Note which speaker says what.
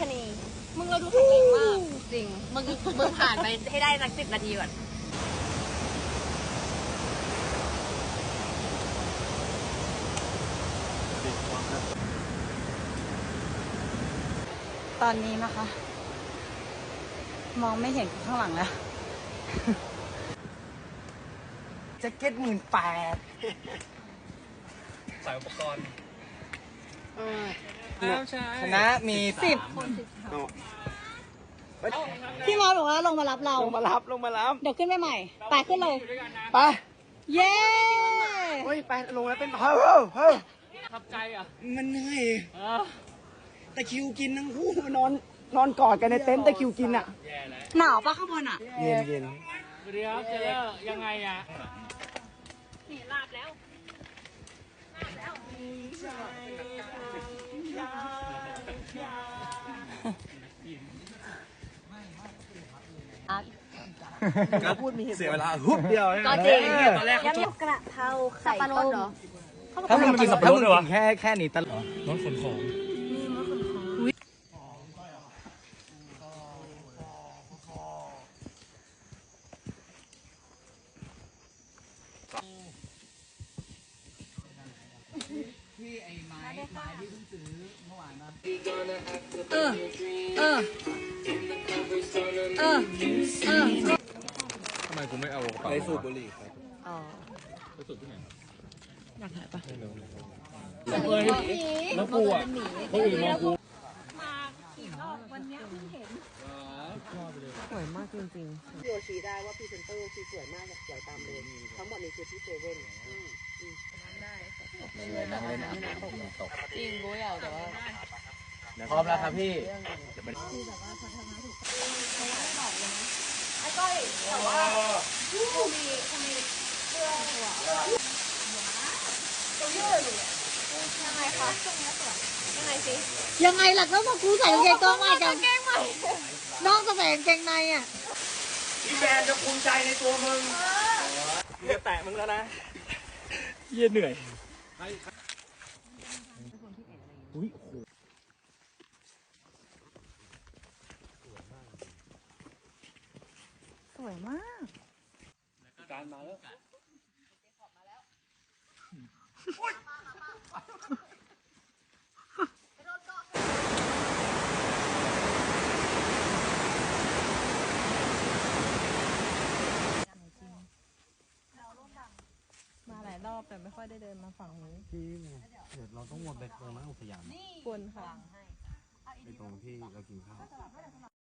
Speaker 1: ณี
Speaker 2: มึงเราดูแข็งแรงมาก
Speaker 1: จริงมึงผ่านไปให้ได้สัก10 นาทีก่อน
Speaker 2: ตอนนี้นะคะ มองไม่เห็นข้างหลังแล้ว
Speaker 3: แจ็คเก็ต18,000
Speaker 4: ใส่อุปกรณ์
Speaker 3: คณะมี
Speaker 2: 10 พี่มอสบอกว่าลงมารับเรา
Speaker 3: ลงมารับ
Speaker 2: เดี๋ยวขึ้นไปใหม่ ไปขึ้นเลย
Speaker 3: ไป
Speaker 2: เย้
Speaker 3: เฮ้ย ไป ลงแล้วเป็นเฮ้ย
Speaker 4: ทับใจอ่ะ
Speaker 3: มันเหนื่อยตะคริวกินทั้งคู่นอนกอดกันในเต็นท์ตะคริวกินอ่ะ
Speaker 2: หนาวปะข้างบนอ่ะ
Speaker 3: เย็น
Speaker 4: เดี๋ยวเจอยังไงอ่ะ
Speaker 3: ก็พูดมีเสียเวลาฮุบเดียว
Speaker 1: ก็จริง
Speaker 4: ตอนแรกเขา
Speaker 1: ยำกระเพราไข่ต้มเหรอ
Speaker 3: ถ้ามึงกินสับปะรดด้วยวะแค่นี้ตลอด
Speaker 4: น้องขนของ ทำไมกูไม่เอากระเป๋า
Speaker 3: ไปสูบบุหรี่ครับ
Speaker 4: ไปสูบที่ไหน
Speaker 2: อยากถ่ายปะ
Speaker 4: แล้วกูอ่ะคนอื่นมองกู
Speaker 2: สวยมากจริง
Speaker 5: พี่โอชี้ได้ว่าพรีเซนเตอร์ชีสวยมากอยากตามเลยทั้งหมดนี้คือที่เซเว่น
Speaker 2: จริงรู้อย่างแต่ว่า
Speaker 3: พร้อมแล้วครับพี่
Speaker 2: ยังไงล่ะก็บอกกูใส่กางเกงตัวใหม่กันน้องจะใส่กางเกงในอ่ะ
Speaker 3: พี่แบนจะภูมิใจในตัวมึงจะแตะมึงแล้วนะ
Speaker 4: เยี่ยเหนื่อย
Speaker 2: สวยมาก
Speaker 4: การมาแล้ว
Speaker 2: มาหลายรอบแต่ไม่ค่อยได้เดินมาฝั่งนี้
Speaker 6: ที่เดี๋ยวเราต้องวนไปตรงนั้นอุทยาน
Speaker 2: ควรค่ะ
Speaker 6: ไปตรงที่เรากินข้าว